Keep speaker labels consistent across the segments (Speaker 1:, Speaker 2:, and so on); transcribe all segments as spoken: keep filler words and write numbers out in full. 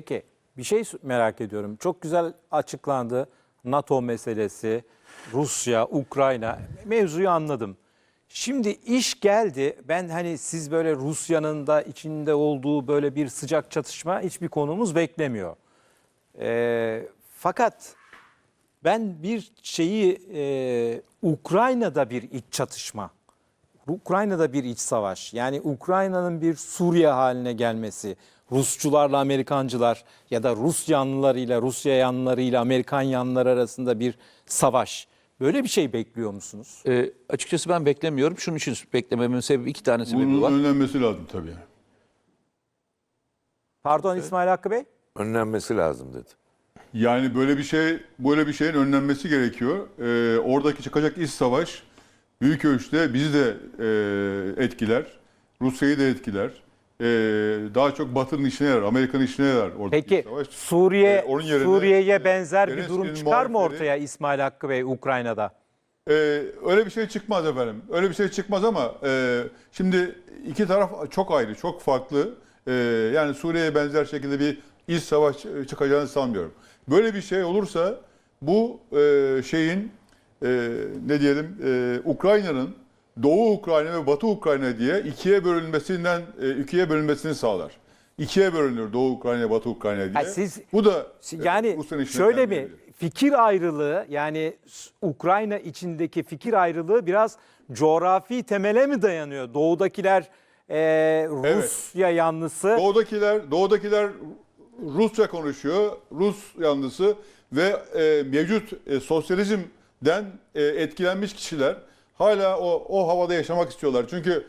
Speaker 1: Peki bir şey merak ediyorum. Çok güzel açıklandı. NATO meselesi, Rusya, Ukrayna mevzuyu anladım. Şimdi iş geldi. Ben hani siz böyle Rusya'nın da içinde olduğu böyle bir sıcak çatışma hiçbir konumuz beklemiyor. Ee, fakat ben bir şeyi e, Ukrayna'da bir iç çatışma, Ukrayna'da bir iç savaş, yani Ukrayna'nın bir Suriye haline gelmesi, Rusçularla Amerikancılar ya da Rus yanlılarıyla Rusya yanlılarıyla Amerikan yanlıları arasında bir savaş. Böyle bir şey bekliyor musunuz?
Speaker 2: E, açıkçası ben beklemiyorum. Şunun için beklememin sebebi iki tane sebebi
Speaker 3: Bunun
Speaker 2: var.
Speaker 3: önlenmesi lazım tabii.
Speaker 1: Pardon İsmail Hakkı Bey?
Speaker 4: Önlenmesi lazım dedi.
Speaker 3: Yani böyle bir şey, böyle bir şeyin önlenmesi gerekiyor. Ee, oradaki çıkacak iç savaş büyük ölçüde bizi de e, etkiler, Rusya'yı da etkiler. Ee, daha çok Batı'nın işine yarar, Amerika'nın işine yarar oradaki
Speaker 1: Peki
Speaker 3: savaş.
Speaker 1: Suriye
Speaker 3: Ee, onun yerine,
Speaker 1: Suriye'ye benzer bir
Speaker 3: Zelenski'nin
Speaker 1: durum çıkar mı
Speaker 3: muhalifleri-
Speaker 1: ortaya İsmail Hakkı Bey Ukrayna'da?
Speaker 3: Ee, öyle bir şey çıkmaz efendim. Öyle bir şey çıkmaz ama e, şimdi iki taraf çok ayrı, çok farklı. Ee, yani Suriye'ye benzer şekilde bir iç savaş çıkacağını sanmıyorum. Böyle bir şey olursa bu e, şeyin e, ne diyelim e, Ukrayna'nın Doğu Ukrayna ve Batı Ukrayna diye ikiye bölünmesinden e, ikiye bölünmesini sağlar. İkiye bölünür Doğu Ukrayna, Batı Ukrayna diye.
Speaker 1: Ha, siz-
Speaker 3: bu da e,
Speaker 1: Yani
Speaker 3: Rusya'nın işine
Speaker 1: şöyle mi
Speaker 3: gelmeyebilir.
Speaker 1: fikir ayrılığı, yani Ukrayna içindeki fikir ayrılığı biraz coğrafi temele mi dayanıyor? Doğudakiler e, Rusya yanlısı.
Speaker 3: Doğudakiler, doğudakiler Rusça konuşuyor, Rus yanlısı ve e, mevcut e, sosyalizmden e, etkilenmiş kişiler hala o, o havada yaşamak istiyorlar. Çünkü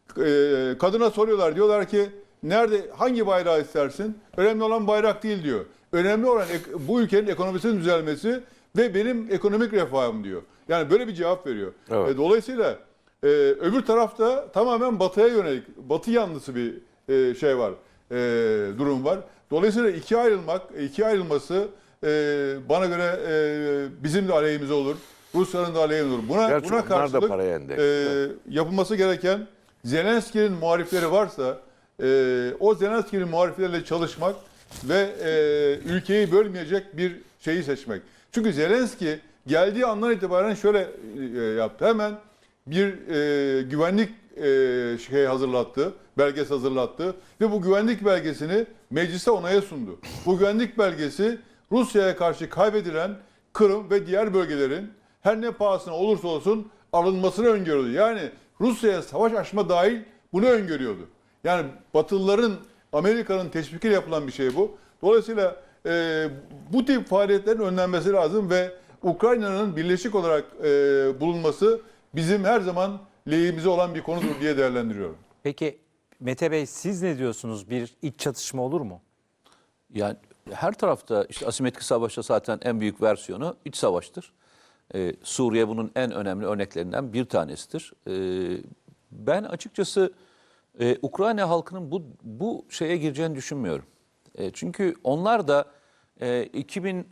Speaker 3: e, kadına soruyorlar, diyorlar ki nerede, hangi bayrağı istersin? Önemli olan bayrak değil diyor. Önemli olan ek- bu ülkenin ekonomisinin düzelmesi ve benim ekonomik refahım diyor. Yani böyle bir cevap veriyor.
Speaker 4: Evet.
Speaker 3: E, dolayısıyla e, öbür tarafta tamamen batıya yönelik, batı yanlısı bir e, şey var, e, durum var. Dolayısıyla ikiye ayrılmak, ikiye ayrılması e, bana göre e, bizim de aleyhimize olur, Rusya'nın da aleyhine olur. Buna,
Speaker 4: Gerçi
Speaker 3: buna
Speaker 4: onlar da
Speaker 3: karşılık
Speaker 4: paraya endeksli.
Speaker 3: e, yapılması gereken, Zelenski'nin muhalifleri varsa e, o Zelenski'nin muhalifleriyle çalışmak ve e, ülkeyi bölmeyecek bir şeyi seçmek. Çünkü Zelenski geldiği andan itibaren şöyle e, yaptı. Hemen bir e, güvenlik e, şey hazırlattı, belgesi hazırlattı ve bu güvenlik belgesini meclise onaya sundu. Bu güvenlik belgesi Rusya'ya karşı kaybedilen Kırım ve diğer bölgelerin her ne pahasına olursa olsun alınmasını öngörüyordu. Yani Rusya'ya savaş açma dahil bunu öngörüyordu. Yani Batılıların, Amerika'nın teşvikiyle yapılan bir şey bu. Dolayısıyla e, bu tip faaliyetlerin önlenmesi lazım ve Ukrayna'nın birleşik olarak e, bulunması bizim her zaman lehimize olan bir konudur diye değerlendiriyorum.
Speaker 1: Peki Mete Bey siz ne diyorsunuz? Bir iç çatışma olur mu?
Speaker 2: Yani her tarafta işte asimetrik savaşta zaten en büyük versiyonu iç savaştır. Ee, Suriye bunun en önemli örneklerinden bir tanesidir. Ee, ben açıkçası e, Ukrayna halkının bu bu şeye gireceğini düşünmüyorum. E, çünkü onlar da e, iki bin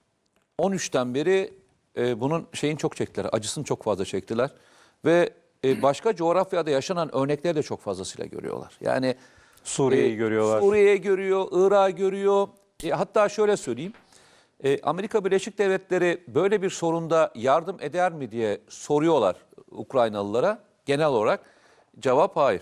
Speaker 2: on üçten beri e, bunun şeyin çok çektiler, acısını çok fazla çektiler ve e, başka coğrafyada yaşanan örnekleri de çok fazlasıyla görüyorlar. Yani
Speaker 1: Suriye'yi
Speaker 2: e,
Speaker 1: görüyorlar.
Speaker 2: Suriye'yi görüyor, Irak'ı görüyor. E, hatta şöyle söyleyeyim. E, Amerika Birleşik Devletleri böyle bir sorunda yardım eder mi diye soruyorlar Ukraynalılara. Genel olarak cevap hayır.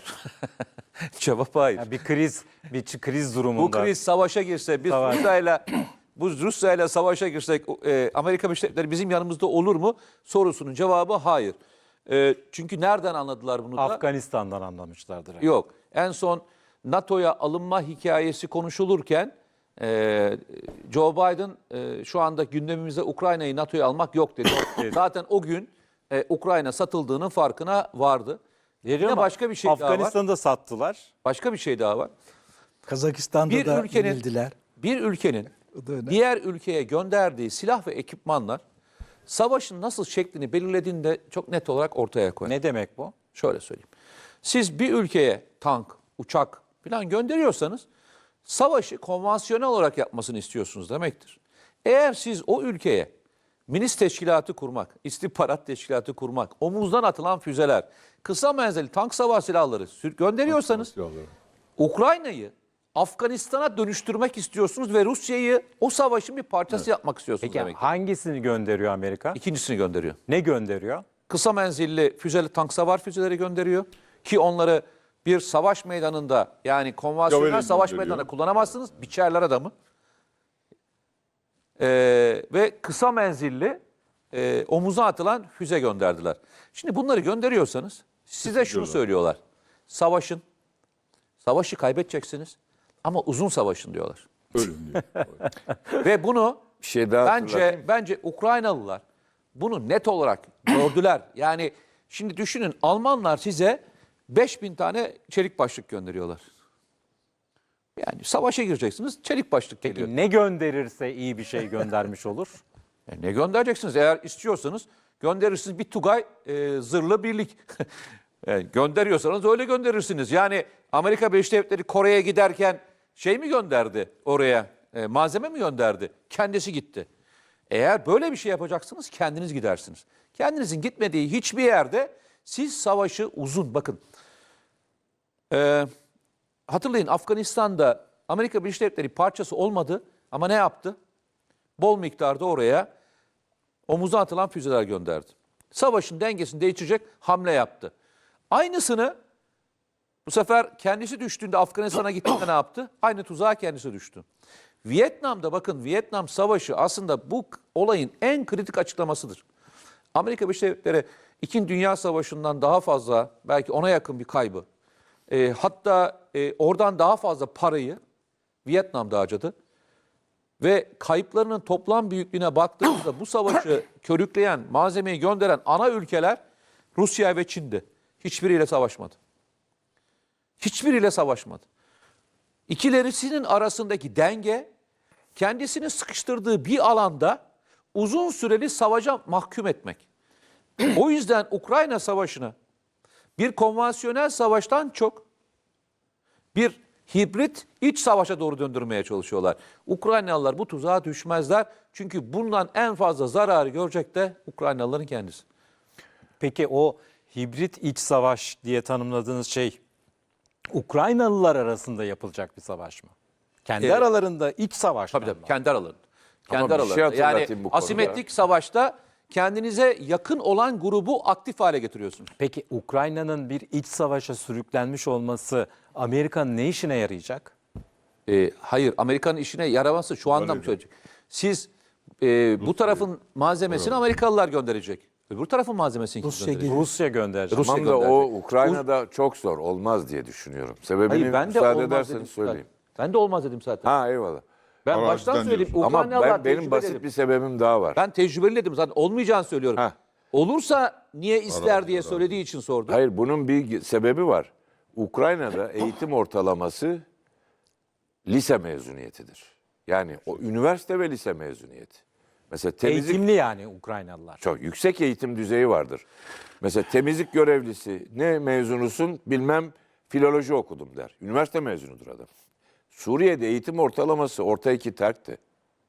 Speaker 2: Cevap hayır.
Speaker 1: Yani bir kriz, bir ç- kriz durumunda.
Speaker 2: Bu kriz savaşa girse, biz
Speaker 1: Savaş.
Speaker 2: Rusya'yla bu Rusya'yla savaşa girsek e, Amerika Birleşik Devletleri bizim yanımızda olur mu? Sorusunun cevabı hayır. E, çünkü nereden anladılar bunu da?
Speaker 1: Afganistan'dan anlamışlardır.
Speaker 2: Yok. En son NATO'ya alınma hikayesi konuşulurken e, Joe Biden e, şu anda gündemimizde Ukrayna'yı NATO'ya almak yok dedi. Zaten o gün e, Ukrayna satıldığının farkına vardı.
Speaker 1: Veriyor
Speaker 2: Yine
Speaker 1: ama
Speaker 2: başka bir şey daha var.
Speaker 1: Afganistan'da sattılar.
Speaker 2: Başka bir şey daha var.
Speaker 5: Kazakistan'da
Speaker 2: Bir
Speaker 5: da
Speaker 2: ülkenin
Speaker 5: yenildiler.
Speaker 2: bir ülkenin
Speaker 5: O da önemli.
Speaker 2: diğer ülkeye gönderdiği silah ve ekipmanlar savaşın nasıl şeklini belirlediğini de çok net olarak ortaya koyar.
Speaker 1: Ne demek bu?
Speaker 2: Şöyle söyleyeyim. Siz bir ülkeye tank, uçak falan gönderiyorsanız savaşı konvansiyonel olarak yapmasını istiyorsunuz demektir. Eğer siz o ülkeye milis teşkilatı kurmak, istihbarat teşkilatı kurmak, omuzdan atılan füzeler, kısa menzilli tank savaş silahları sür- gönderiyorsanız Ukrayna'yı Afganistan'a dönüştürmek istiyorsunuz ve Rusya'yı o savaşın bir parçası yapmak istiyorsunuz
Speaker 1: Peki
Speaker 2: demek.
Speaker 1: hangisini gönderiyor Amerika?
Speaker 2: İkincisini gönderiyor.
Speaker 1: Ne gönderiyor?
Speaker 2: Kısa menzilli füzeli tank savar füzeleri gönderiyor ki onları bir savaş meydanında yani konvansiyonel
Speaker 3: Javelin
Speaker 2: savaş
Speaker 3: gönderiyor.
Speaker 2: meydanında kullanamazsınız. Biçerler adamı. Ee, ve kısa menzilli e, omuza atılan füze gönderdiler. Şimdi bunları gönderiyorsanız size şunu
Speaker 3: diyorlar.
Speaker 2: söylüyorlar. Savaşın. Savaşı kaybedeceksiniz ama uzun savaşın diyorlar.
Speaker 3: Öyle diyor.
Speaker 2: Ve bunu
Speaker 4: Bir şey daha
Speaker 2: bence
Speaker 4: hatırlatayım.
Speaker 2: bence Ukraynalılar bunu net olarak gördüler. Yani şimdi düşünün Almanlar size beş bin tane çelik başlık gönderiyorlar. Yani savaşa gireceksiniz çelik başlık geliyor.
Speaker 1: Ne gönderirse iyi bir şey göndermiş olur.
Speaker 2: E ne göndereceksiniz? Eğer istiyorsanız gönderirsiniz bir Tugay e, zırhlı birlik. E, gönderiyorsanız öyle gönderirsiniz. Yani Amerika Birleşik Devletleri Kore'ye giderken şey mi gönderdi oraya? E, malzeme mi gönderdi? Kendisi gitti. Eğer böyle bir şey yapacaksınız kendiniz gidersiniz. Kendinizin gitmediği hiçbir yerde siz savaşı uzun bakın. E, hatırlayın Afganistan'da Amerika Birleşik Devletleri parçası olmadı ama ne yaptı? Bol miktarda oraya omuza atılan füzeler gönderdi. Savaşın dengesini değiştirecek hamle yaptı. Aynısını bu sefer kendisi düştüğünde Afganistan'a gittiğinde ne yaptı? Aynı tuzağa kendisi düştü. Vietnam'da bakın Vietnam Savaşı aslında bu olayın en kritik açıklamasıdır. Amerika Birleşik Devletleri İkinci Dünya Savaşı'ndan daha fazla belki ona yakın bir kaybı e, hatta e, oradan daha fazla parayı Vietnam'da harcadı. Ve kayıplarının toplam büyüklüğüne baktığımızda bu savaşı körükleyen, malzemeyi gönderen ana ülkeler Rusya ve Çin'di. Hiçbiriyle savaşmadı. Hiçbiriyle savaşmadı. İkilerisinin arasındaki denge kendisini sıkıştırdığı bir alanda uzun süreli savaşa mahkum etmek. O yüzden Ukrayna Savaşı'nı bir konvansiyonel savaştan çok bir hibrit iç savaşa doğru döndürmeye çalışıyorlar. Ukraynalılar bu tuzağa düşmezler. Çünkü bundan en fazla zararı görecek de Ukraynalıların kendisi.
Speaker 1: Peki o hibrit iç savaş diye tanımladığınız şey Ukraynalılar arasında yapılacak bir savaş mı? Kendi
Speaker 2: Evet.
Speaker 1: aralarında iç savaş mı?
Speaker 2: Tabii tabii kendi aralarında. Kendi
Speaker 4: bir şey
Speaker 2: aralarında.
Speaker 4: hatırlatayım
Speaker 2: Yani
Speaker 4: bu konuda.
Speaker 2: asimetrik savaşta kendinize yakın olan grubu aktif hale getiriyorsunuz.
Speaker 1: Peki Ukrayna'nın bir iç savaşa sürüklenmiş olması Amerika'nın ne işine yarayacak?
Speaker 2: Ee, hayır Amerika'nın işine yaraması şu anda mı söyleyecek? Siz e, bu tarafın malzemesini Amerikalılar gönderecek. Öbür tarafın malzemesini kim
Speaker 5: Rusya
Speaker 2: gönderecek?
Speaker 5: gibi.
Speaker 1: Rusya gönderecek.
Speaker 2: Rusya
Speaker 4: Tamam da
Speaker 2: gönderecek.
Speaker 4: o Ukrayna'da çok zor olmaz diye düşünüyorum. Sebebini
Speaker 2: Hayır ben de
Speaker 4: müsaade
Speaker 2: olmaz dedim
Speaker 4: ederseniz
Speaker 2: zaten.
Speaker 4: söyleyeyim.
Speaker 2: Ben de olmaz dedim zaten.
Speaker 4: Ha eyvallah.
Speaker 2: Ben
Speaker 3: Araziden
Speaker 2: baştan söyleyeyim.
Speaker 3: diyorsun.
Speaker 4: Ama
Speaker 2: Ukraynalılar
Speaker 4: ben, benim
Speaker 2: tecrübeli
Speaker 4: basit
Speaker 2: dedim.
Speaker 4: bir sebebim daha var.
Speaker 2: Ben tecrübeli dedim zaten olmayacağını söylüyorum.
Speaker 4: Heh.
Speaker 2: Olursa niye ister diye söylediği için sordum.
Speaker 4: Hayır bunun bir sebebi var. Ukrayna'da eğitim ortalaması lise mezuniyetidir. Yani o üniversite ve lise mezuniyeti. Mesela temizlik
Speaker 1: Eğitimli yani Ukraynalılar.
Speaker 4: çok yüksek eğitim düzeyi vardır. Mesela temizlik görevlisi ne mezunusun bilmem filoloji okudum der. Üniversite mezunudur adam. Suriye'de eğitim ortalaması orta iki terkti.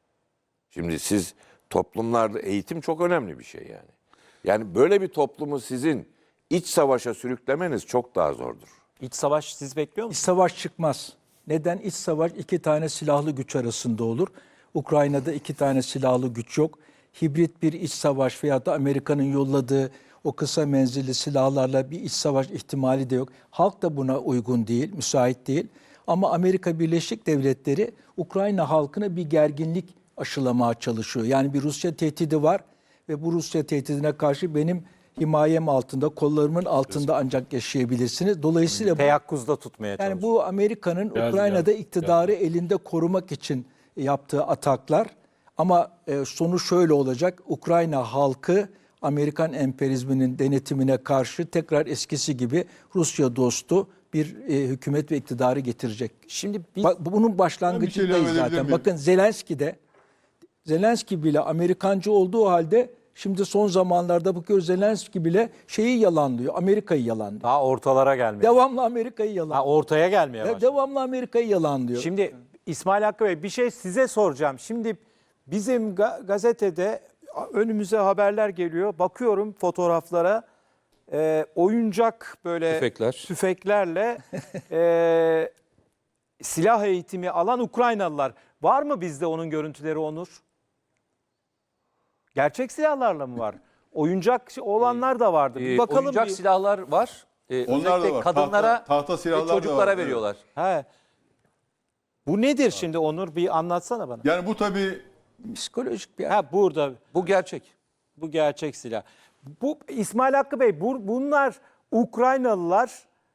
Speaker 4: Şimdi siz toplumlarda eğitim çok önemli bir şey yani. Yani böyle bir toplumu sizin iç savaşa sürüklemeniz çok daha zordur.
Speaker 1: İç savaş siz bekliyor
Speaker 5: İç
Speaker 1: musunuz?
Speaker 5: savaş çıkmaz. Neden? İç savaş iki tane silahlı güç arasında olur. Ukrayna'da iki tane silahlı güç yok. Hibrit bir iç savaş veya da Amerika'nın yolladığı o kısa menzilli silahlarla bir iç savaş ihtimali de yok. Halk da buna uygun değil, müsait değil. Ama Amerika Birleşik Devletleri Ukrayna halkına bir gerginlik aşılamaya çalışıyor. Yani bir Rusya tehdidi var ve bu Rusya tehdidine karşı benim himayem altında, kollarımın altında ancak yaşayabilirsiniz. Dolayısıyla bu,
Speaker 1: Teyakkuzda tutmaya çalışıyor.
Speaker 5: yani bu Amerika'nın Ukrayna'da iktidarı elinde korumak için yaptığı ataklar. Ama e, sonu şöyle olacak. Ukrayna halkı Amerikan emperyalizminin denetimine karşı tekrar eskisi gibi Rusya dostu bir e, hükümet ve iktidarı getirecek.
Speaker 1: Şimdi biz
Speaker 5: Bak, bunun
Speaker 3: Ben bir şey
Speaker 5: başlangıcındayız
Speaker 3: ilave edebilir
Speaker 5: zaten.
Speaker 3: miyim?
Speaker 5: Bakın Zelenski de Zelenski bile Amerikancı olduğu halde şimdi son zamanlarda bakıyoruz Zelenski bile şeyi yalanlıyor. Amerika'yı yalanlıyor.
Speaker 1: daha ortalara gelmeye.
Speaker 5: Devamlı Amerika'yı
Speaker 1: Ha,
Speaker 5: yalanlıyor.
Speaker 1: ortaya gelmeye
Speaker 5: De-
Speaker 1: başladı.
Speaker 5: devamlı Amerika'yı yalanlıyor.
Speaker 1: Şimdi İsmail Hakkı Bey bir şey size soracağım. Şimdi bizim ga- gazetede önümüze haberler geliyor. Bakıyorum fotoğraflara. Ee, oyuncak böyle
Speaker 2: Tüfekler.
Speaker 1: tüfeklerle e, silah eğitimi alan Ukraynalılar. Var mı bizde onun görüntüleri Onur? Gerçek silahlarla mı var? Oyuncak olanlar da vardı. Bir
Speaker 2: Ee,
Speaker 1: bakalım
Speaker 2: oyuncak
Speaker 1: bir.
Speaker 2: silahlar var. Ee,
Speaker 3: Onlar da
Speaker 2: özellikle
Speaker 3: var.
Speaker 2: kadınlara
Speaker 3: Tahta- tahta silahlar
Speaker 2: ve
Speaker 3: da
Speaker 2: çocuklara
Speaker 3: var,
Speaker 2: veriyorlar.
Speaker 1: He. Bu nedir şimdi Onur? Bir anlatsana bana.
Speaker 3: Yani bu tabii
Speaker 5: Psikolojik bir
Speaker 1: Ha burada
Speaker 2: Bu gerçek.
Speaker 1: bu gerçek silah. Bu İsmail Hakkı Bey bu, bunlar Ukraynalılar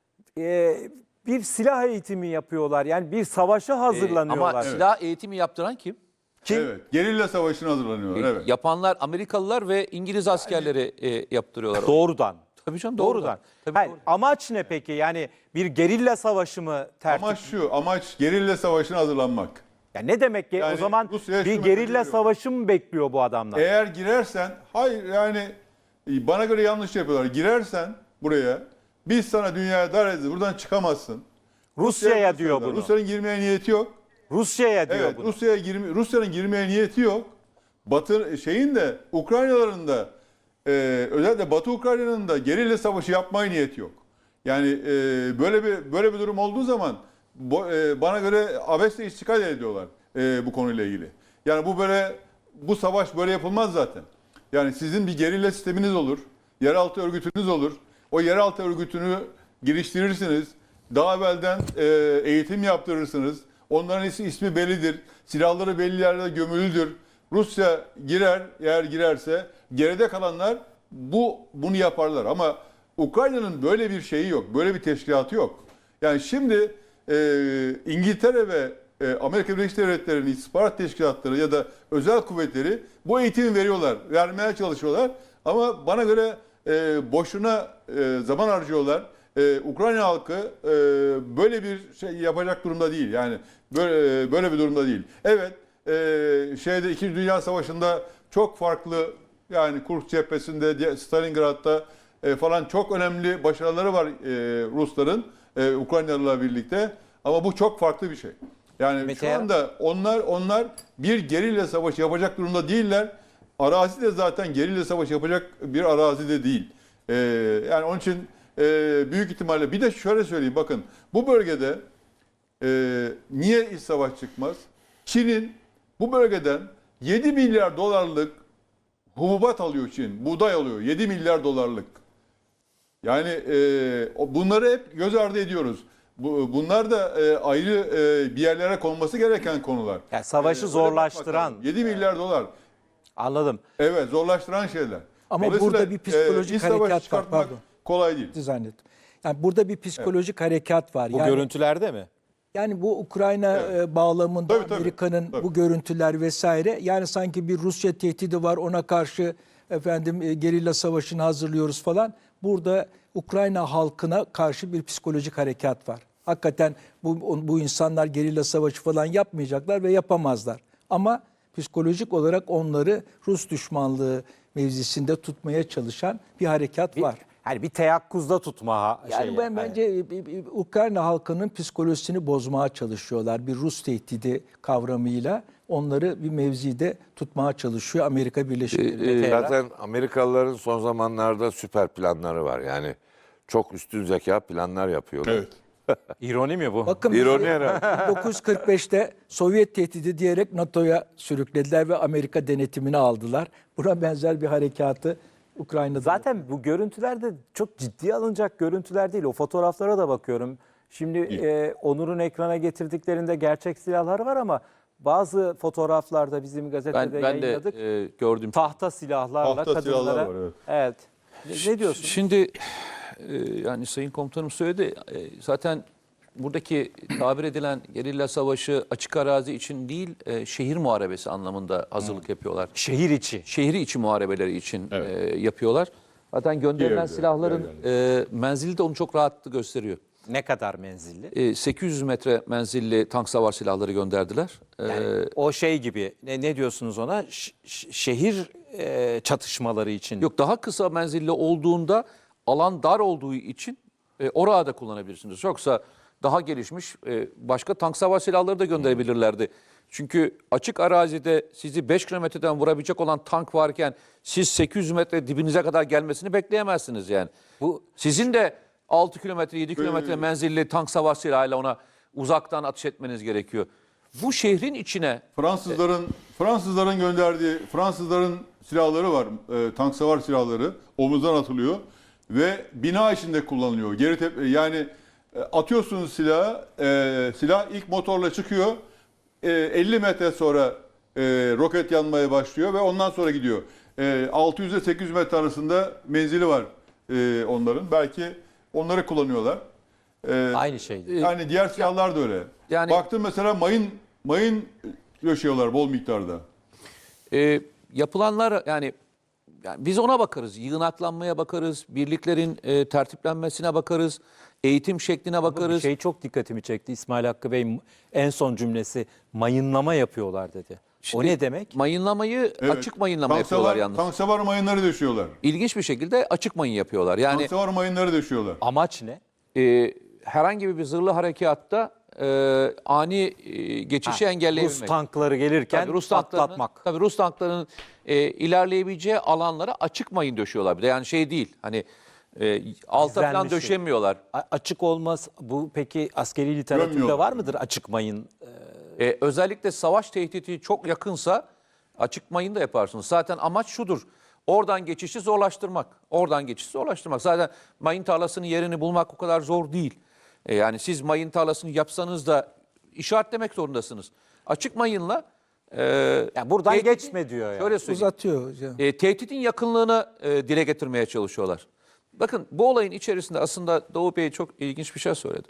Speaker 1: e, bir silah eğitimi yapıyorlar. Yani bir savaşa
Speaker 2: Ee,
Speaker 1: hazırlanıyorlar.
Speaker 2: ama silah eğitimi yaptıran kim?
Speaker 1: Kim?
Speaker 3: evet, gerilla savaşına hazırlanıyorlar. Evet.
Speaker 2: Yapanlar Amerikalılar ve İngiliz askerleri e, yaptırıyorlar.
Speaker 1: Doğrudan.
Speaker 2: Tabii canım
Speaker 1: Doğrudan.
Speaker 2: doğrudan. Tabii
Speaker 1: Hayır,
Speaker 2: doğru.
Speaker 1: amaç ne peki? Yani bir gerilla savaşı mı tertip?
Speaker 3: Amaç şu, amaç gerilla savaşına hazırlanmak.
Speaker 1: Ya ne demek ki?
Speaker 3: Yani
Speaker 1: O zaman
Speaker 3: Rusya'ya
Speaker 1: bir
Speaker 3: şu
Speaker 1: gerilla
Speaker 3: mesajı veriyorum.
Speaker 1: savaşı mı bekliyor bu adamlar?
Speaker 3: Eğer girersen, hayır yani bana göre yanlış yapıyorlar. Girersen buraya, biz sana dünyaya dar edeceğiz, buradan çıkamazsın.
Speaker 1: Rusya'ya diyor bunu.
Speaker 3: Rusya'nın girmeye niyeti yok.
Speaker 1: Rusya'ya diyor
Speaker 3: Evet,
Speaker 1: bunu.
Speaker 3: Rusya'ya girme, Rusya'nın girmeye niyeti yok. Batı şeyin de Ukraynalıların da e, özellikle Batı Ukrayna'nın da gerilla savaşı yapmaya niyeti yok. Yani e, böyle bir böyle bir durum olduğu zaman bo, e, bana göre abesle iştikal ediyorlar e, bu konuyla ilgili. Yani bu böyle bu savaş böyle yapılmaz zaten. Yani sizin bir gerilla sisteminiz olur, yeraltı örgütünüz olur. O yeraltı örgütünü geliştirirsiniz. Daha evvelden e, eğitim yaptırırsınız. Onların ismi, ismi bellidir. Silahları belli yerlerde gömülüdür. Rusya girer, eğer girerse geride kalanlar bu bunu yaparlar. Ama Ukrayna'nın böyle bir şeyi yok. Böyle bir teşkilatı yok. Yani şimdi e, İngiltere ve e, Amerika Birleşik Devletleri'nin istihbarat teşkilatları ya da özel kuvvetleri bu eğitimi veriyorlar. Vermeye çalışıyorlar. Ama bana göre e, boşuna e, zaman harcıyorlar. Ee, Ukrayna halkı e, böyle bir şey yapacak durumda değil. Yani böyle e, böyle bir durumda değil. Evet, e, şeyde İkinci Dünya Savaşı'nda çok farklı yani Kursk cephesinde, diye- Stalingrad'da e, falan çok önemli başarıları var e, Rusların e, Ukraynalılarla birlikte. Ama bu çok farklı bir şey. Yani
Speaker 1: Mete
Speaker 3: şu
Speaker 1: ya-
Speaker 3: anda onlar onlar bir gerilla savaşı yapacak durumda değiller. Arazi de zaten gerilla savaşı yapacak bir arazi de değil. E, yani onun için e, büyük ihtimalle bir de şöyle söyleyeyim bakın bu bölgede e, niye iç savaş çıkmaz? Çin'in bu bölgeden yedi milyar dolarlık hububat alıyor Çin. Buğday alıyor yedi milyar dolarlık. Yani e, o- bunları hep göz ardı ediyoruz. Bu, bunlar da e, ayrı e, bir yerlere konması gereken konular.
Speaker 1: Yani savaşı
Speaker 3: E, öyle bakmak
Speaker 1: zorlaştıran.
Speaker 3: lazım. yedi milyar dolar.
Speaker 1: Anladım.
Speaker 3: Evet, zorlaştıran şeyler.
Speaker 5: Ama
Speaker 3: Dolayısıyla,
Speaker 5: burada bir psikolojik
Speaker 3: e, iç savaşı
Speaker 5: harekat var,
Speaker 3: çıkartmak
Speaker 5: pardon.
Speaker 3: kolay değil.
Speaker 5: zannettim. Yani burada bir psikolojik harekat var.
Speaker 1: Bu
Speaker 5: yani,
Speaker 1: görüntülerde mi?
Speaker 5: yani bu Ukrayna e, bağlamında
Speaker 3: Tabii, tabii.
Speaker 5: Amerika'nın
Speaker 3: Tabii.
Speaker 5: bu görüntüler vesaire yani sanki bir Rusya tehdidi var ona karşı efendim e, gerilla savaşını hazırlıyoruz falan. Burada Ukrayna halkına karşı bir psikolojik harekat var. Hakikaten bu, bu insanlar gerilla savaşı falan yapmayacaklar ve yapamazlar. Ama psikolojik olarak onları Rus düşmanlığı mevzisinde tutmaya çalışan bir harekat var.
Speaker 1: Hani bir teyakkuzda tutma ha-
Speaker 5: Yani
Speaker 1: şeyi.
Speaker 5: ben
Speaker 1: Hani
Speaker 5: bence e, e, e, Ukrayna halkının psikolojisini bozmaya çalışıyorlar. Bir Rus tehdidi kavramıyla onları bir mevzide tutmaya çalışıyor Amerika Birleşik Devletleri.
Speaker 4: Zaten Amerikalıların son zamanlarda süper planları var. Yani çok üstün zeka planlar yapıyorlar.
Speaker 3: Evet.
Speaker 1: İroni mi bu?
Speaker 5: Bakın
Speaker 4: İroni
Speaker 5: bizi
Speaker 4: herhalde.
Speaker 5: bin dokuz yüz kırk beşte Sovyet tehdidi diyerek NATO'ya sürüklediler ve Amerika denetimini aldılar. Buna benzer bir harekatı Ukrayna'da.
Speaker 1: Zaten bu görüntüler de çok ciddiye alınacak görüntüler değil. O fotoğraflara da bakıyorum. Şimdi e, Onur'un ekrana getirdiklerinde gerçek silahlar var ama bazı fotoğraflarda bizim gazetede
Speaker 2: Ben, ben de
Speaker 1: yayınladık.
Speaker 2: e, gördüm.
Speaker 1: Tahta silahlarla
Speaker 3: Tahta silahlar
Speaker 1: kadınlara.
Speaker 3: var, evet.
Speaker 1: Evet. Ne, ne diyorsun?
Speaker 2: Şimdi e, yani Sayın Komutanım söyledi. E, zaten buradaki tabir edilen gerilla savaşı açık arazi için değil, e, şehir muharebesi anlamında hazırlık yapıyorlar.
Speaker 1: Şehir içi.
Speaker 2: Şehri içi muharebeleri için e, yapıyorlar. Zaten gönderilen
Speaker 3: Diğer-
Speaker 2: silahların e, menzili de onu çok rahatlı gösteriyor.
Speaker 1: Ne kadar menzilli?
Speaker 2: E, sekiz yüz metre menzilli tank savar silahları gönderdiler. E,
Speaker 1: Yani o şey gibi ne, ne diyorsunuz ona? Ş- ş- şehir e, çatışmaları için.
Speaker 2: Yok, daha kısa menzilli olduğunda alan dar olduğu için e, orada da kullanabilirsiniz. Yoksa daha gelişmiş e, başka tank savar silahları da gönderebilirlerdi. Çünkü açık arazide sizi beş kilometreden vurabilecek olan tank varken siz sekiz yüz metre dibinize kadar gelmesini bekleyemezsiniz yani. Bu sizin de altı kilometre yedi kilometre menzilli tank savar silahıyla ona uzaktan ateş etmeniz gerekiyor. Bu şehrin içine
Speaker 3: Fransızların Fransızların gönderdiği Fransızların silahları var. E, tank savar silahları omuzdan atılıyor ve bina içinde kullanılıyor. Geri tep- yani e, atıyorsunuz silahı, e, silah ilk motorla çıkıyor. E, elli metre sonra e, roket yanmaya başlıyor ve ondan sonra gidiyor. E, altı yüz ile sekiz yüz metre arasında menzili var e, onların. Belki onları kullanıyorlar. E,
Speaker 1: Aynı şey.
Speaker 3: Yani diğer silahlar da öyle.
Speaker 2: Yani-
Speaker 3: Baktım mesela mayın mayın döşüyorlar bol miktarda.
Speaker 2: e, yapılanlar yani, yani biz ona bakarız. Yığınaklanmaya bakarız. Birliklerin e, tertiplenmesine bakarız. Eğitim şekline
Speaker 1: Bir
Speaker 2: bakarız.
Speaker 1: şey çok dikkatimi çekti. İsmail Hakkı Bey en son cümlesi mayınlama yapıyorlar dedi. O
Speaker 2: Şimdi
Speaker 1: ne demek?
Speaker 2: Mayınlamayı
Speaker 3: Evet.
Speaker 2: açık mayınlama
Speaker 3: Tank
Speaker 2: yapıyorlar
Speaker 3: savar-
Speaker 2: yalnız.
Speaker 3: Tank savar mayınları döşüyorlar.
Speaker 2: İlginç bir şekilde açık mayın yapıyorlar. Yani
Speaker 3: Tank savar mayınları döşüyorlar.
Speaker 1: Amaç ne?
Speaker 2: e, herhangi bir zırhlı harekatta e, ani e, geçişi engelleyebilmek.
Speaker 1: Rus tankları gelirken
Speaker 2: Tabii Rus tanklarının,
Speaker 1: patlatmak.
Speaker 2: tabii Rus tanklarının e, ilerleyebileceği alanlara açık mayın döşüyorlar. Bir de yani şey değil. Hani e, alta falan
Speaker 1: Gizlenmiş şey.
Speaker 2: döşemiyorlar.
Speaker 1: A- Açık olmaz. Bu peki askeri literatürde
Speaker 3: Gömüyorlar.
Speaker 1: var mıdır açık mayın?
Speaker 2: E, özellikle savaş tehdidi çok yakınsa açık mayın da yaparsınız. Zaten amaç şudur. Oradan geçişi zorlaştırmak. Oradan geçişi zorlaştırmak. Zaten mayın tarlasının yerini bulmak o kadar zor değil. E, yani siz mayın tarlasını yapsanız da işaretlemek zorundasınız. Açık mayınla e,
Speaker 1: Yani buradan
Speaker 2: tehditin-
Speaker 1: geçme diyor yani.
Speaker 2: Şöyle söyleyeyim.
Speaker 5: Uzatıyor hocam.
Speaker 2: E, tehditin yakınlığını e, dile getirmeye çalışıyorlar. Bakın bu olayın içerisinde aslında Doğu Bey çok ilginç bir şey söyledi.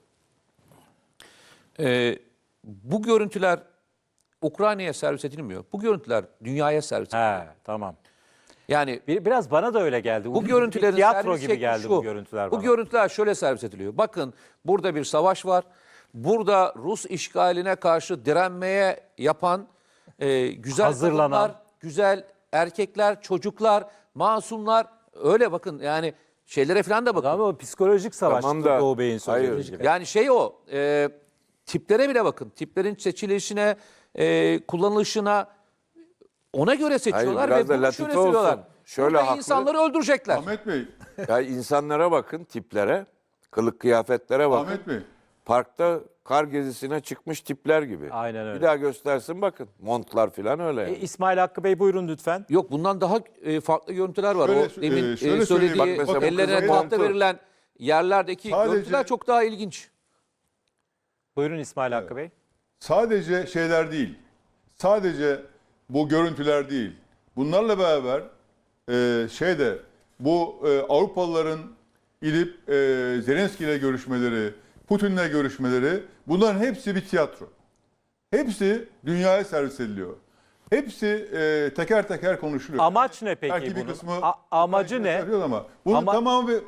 Speaker 2: E, bu görüntüler Ukrayna'ya servis edilmiyor. Bu görüntüler dünyaya servis ediliyor.
Speaker 1: He, tamam.
Speaker 2: Yani
Speaker 1: Bir, biraz bana da öyle geldi.
Speaker 2: bu
Speaker 1: Bir
Speaker 2: görüntülerin
Speaker 1: tiyatro
Speaker 2: servis
Speaker 1: gibi
Speaker 2: şekli
Speaker 1: geldi
Speaker 2: şu.
Speaker 1: bu görüntüler
Speaker 2: Bu
Speaker 1: bana.
Speaker 2: görüntüler şöyle servis ediliyor. Bakın burada bir savaş var. Burada Rus işgaline karşı direnmeye yapan e, güzel
Speaker 1: Hazırlanan.
Speaker 2: kadınlar, güzel erkekler, çocuklar, masumlar. Öyle bakın yani şeylere falan da bakın.
Speaker 1: Ama o psikolojik savaş
Speaker 4: Tamam da-
Speaker 1: Doğu Bey'in söylediği
Speaker 4: Hayır.
Speaker 1: gibi.
Speaker 2: Yani şey o, e, tiplere bile bakın. Tiplerin seçilişine, e, kullanılışına ona göre seçiyorlar
Speaker 4: biraz
Speaker 2: ve
Speaker 4: da
Speaker 2: bunu
Speaker 4: latife
Speaker 2: şöyle söylüyorlar.
Speaker 4: olsun. Şöyle
Speaker 2: Burada
Speaker 4: haklı.
Speaker 2: insanları öldürecekler.
Speaker 3: Ahmet Bey,
Speaker 4: Ya insanlara bakın, tiplere, kılık kıyafetlere bakın.
Speaker 3: Ahmet Bey.
Speaker 4: Parkta kar gezisine çıkmış tipler gibi.
Speaker 1: Aynen öyle.
Speaker 4: Bir daha göstersin bakın. Montlar falan öyle.
Speaker 1: E, İsmail Hakkı Bey buyurun lütfen.
Speaker 2: Yok bundan daha e, farklı görüntüler var.
Speaker 3: Şöyle-
Speaker 2: o demin
Speaker 3: e,
Speaker 2: e,
Speaker 3: şöyle söyleyeyim.
Speaker 2: söylediği
Speaker 4: Bak mesela bu
Speaker 2: ellerine
Speaker 4: kızın
Speaker 2: tahta
Speaker 4: montu.
Speaker 2: verilen yerlerdeki
Speaker 3: Sadece-
Speaker 2: görüntüler çok daha ilginç.
Speaker 1: Buyurun İsmail Hakkı Bey.
Speaker 3: Sadece şeyler değil. Sadece bu görüntüler değil. Bunlarla beraber e, şeyde bu e, Avrupalıların gidip e, Zelenski ile görüşmeleri, Putin'le görüşmeleri bunların hepsi bir tiyatro. Hepsi dünyaya servis ediliyor. Hepsi e, teker teker konuşuluyor.
Speaker 1: Amaç ne peki
Speaker 3: Belki bir
Speaker 1: bunun?
Speaker 3: kısmı
Speaker 1: A- amacı ne?
Speaker 3: yapıyor ama bunun
Speaker 1: Ama-
Speaker 3: tamamı bir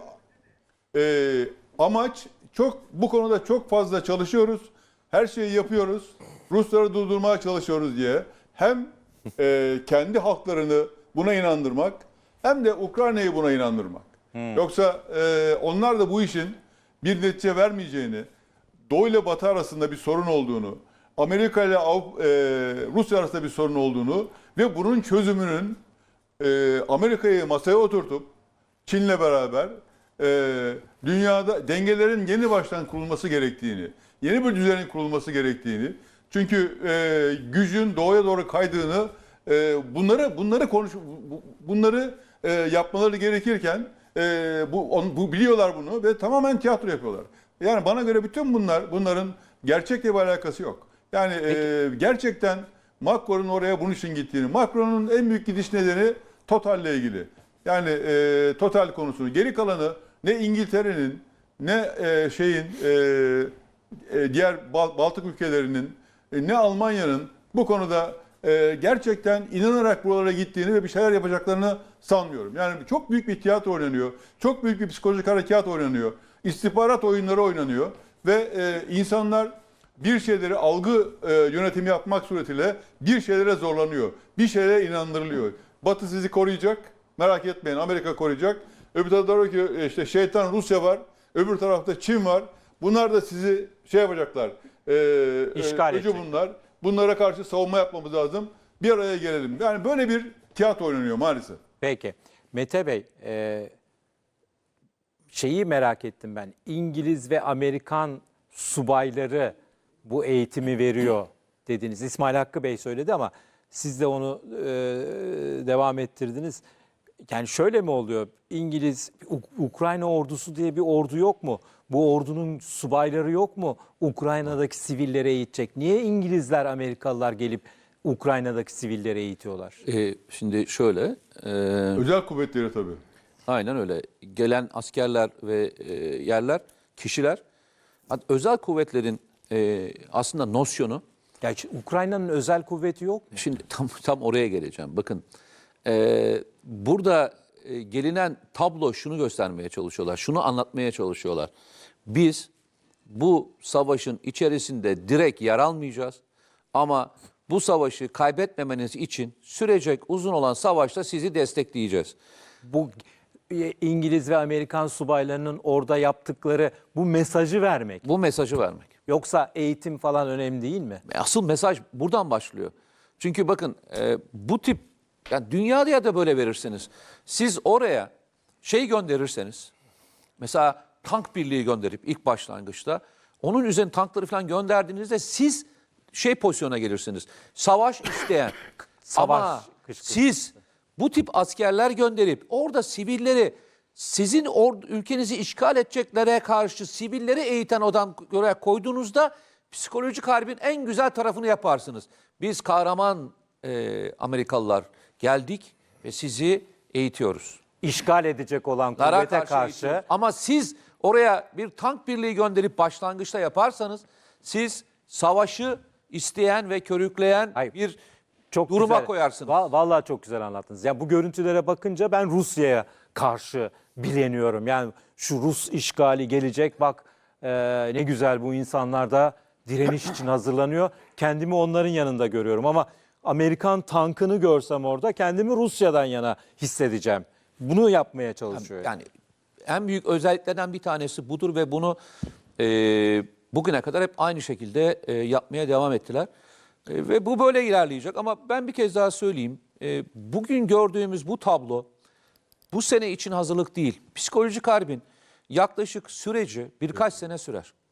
Speaker 3: e, amaç çok bu konuda çok fazla çalışıyoruz. Her şeyi yapıyoruz. Rusları durdurmaya çalışıyoruz diye hem e, kendi halklarını buna inandırmak hem de Ukrayna'yı buna inandırmak. Yoksa e, onlar da bu işin bir netice vermeyeceğini, Doğu ile Batı arasında bir sorun olduğunu, Amerika ile Avrupa- e, Rusya arasında bir sorun olduğunu ve bunun çözümünün e, Amerika'yı masaya oturtup Çin'le beraber e, dünyada dengelerin yeni baştan kurulması gerektiğini, yeni bir düzenin kurulması gerektiğini, çünkü e, gücün doğuya doğru kaydığını, e, bunları bunları konuş, bu- bunları e, yapmaları gerekirken e, bu, on, bu biliyorlar bunu ve tamamen tiyatro yapıyorlar. Yani bana göre bütün bunlar bunların gerçekle bir alakası yok. Yani e, gerçekten Macron'un oraya bunun için gittiğini, Macron'un en büyük gidiş nedeni Total'le ilgili. Yani e, Total konusunu, geri kalanı ne İngiltere'nin ne e, şeyin e, e, diğer Bal- Baltık ülkelerinin e, ne Almanya'nın bu konuda e, gerçekten inanarak buralara gittiğini ve bir şeyler yapacaklarını sanmıyorum. Yani çok büyük bir tiyatro oynanıyor. Çok büyük bir psikolojik harekat oynanıyor. İstihbarat oyunları oynanıyor ve e, insanlar bir şeyleri algı e, yönetimi yapmak suretiyle bir şeylere zorlanıyor. Bir şeylere inandırılıyor. Batı sizi koruyacak. Merak etmeyin, Amerika koruyacak. Öbür tarafta ki işte şeytan Rusya var. Öbür tarafta Çin var. Bunlar da sizi şey yapacaklar. E,
Speaker 1: İşgal
Speaker 3: e, öcü
Speaker 1: edecek.
Speaker 3: bunlar. Bunlara karşı savunma yapmamız lazım. Bir araya gelelim. Yani böyle bir tiyatro oynanıyor maalesef.
Speaker 1: Peki. Mete Bey, e, şeyi merak ettim ben. İngiliz ve Amerikan subayları bu eğitimi veriyor dediniz. İsmail Hakkı Bey söyledi ama siz de onu e, devam ettirdiniz. Yani şöyle mi oluyor? İngiliz, U- Ukrayna ordusu diye bir ordu yok mu? Bu ordunun subayları yok mu? Ukrayna'daki sivilleri eğitecek. Niye İngilizler, Amerikalılar gelip Ukrayna'daki sivilleri eğitiyorlar?
Speaker 2: E, şimdi şöyle, e,
Speaker 3: Özel kuvvetleri tabii.
Speaker 2: aynen öyle. Gelen askerler ve e, yerler, kişiler, hatta özel kuvvetlerin e, aslında nosyonu,
Speaker 1: Gerçi Ukrayna'nın özel kuvveti yok mu?
Speaker 2: şimdi tam tam oraya geleceğim. Bakın, e, burada e, gelinen tablo şunu göstermeye çalışıyorlar, şunu anlatmaya çalışıyorlar. Biz bu savaşın içerisinde direkt yer almayacağız ama bu savaşı kaybetmemeniz için sürecek uzun olan savaşta sizi destekleyeceğiz.
Speaker 1: Bu e, İngiliz ve Amerikan subaylarının orada yaptıkları bu mesajı vermek.
Speaker 2: Bu mesajı vermek.
Speaker 1: Yoksa eğitim falan önemli değil mi?
Speaker 2: Asıl mesaj buradan başlıyor. Çünkü bakın e, bu tip, yani dünyada ya da böyle verirsiniz. Siz oraya şey gönderirseniz, mesela tank birliği gönderip ilk başlangıçta onun üzerine tankları falan gönderdiğinizde siz şey pozisyona gelirsiniz. Savaş isteyen.
Speaker 1: Savaş
Speaker 2: Ama
Speaker 1: kışkırtması.
Speaker 2: siz bu tip askerler gönderip orada sivilleri, sizin or- ülkenizi işgal edeceklere karşı sivilleri eğiten odan oraya koyduğunuzda psikolojik harbin en güzel tarafını yaparsınız. Biz kahraman e, Amerikalılar geldik ve sizi eğitiyoruz.
Speaker 1: İşgal edecek olan
Speaker 2: Lara
Speaker 1: kuvvete
Speaker 2: karşı
Speaker 1: karşı,
Speaker 2: eğitiyoruz. Ama siz oraya bir tank birliği gönderip başlangıçta yaparsanız siz savaşı isteyen ve körükleyen
Speaker 1: Hayır.
Speaker 2: bir
Speaker 1: çok
Speaker 2: duruma
Speaker 1: güzel,
Speaker 2: koyarsınız.
Speaker 1: Va- Vallahi çok güzel anlattınız. Ya bu görüntülere bakınca ben Rusya'ya karşı bileniyorum. Yani şu Rus işgali gelecek, bak e, ne güzel, bu insanlar da direniş için hazırlanıyor. Kendimi onların yanında görüyorum ama Amerikan tankını görsem orada kendimi Rusya'dan yana hissedeceğim. Bunu yapmaya çalışıyor.
Speaker 2: Yani en büyük özelliklerden bir tanesi budur ve bunu e, bugüne kadar hep aynı şekilde e, yapmaya devam ettiler. E, ve bu böyle ilerleyecek ama ben bir kez daha söyleyeyim. E, bugün gördüğümüz bu tablo bu sene için hazırlık değil. Psikolojik harbin yaklaşık süreci birkaç sene sürer.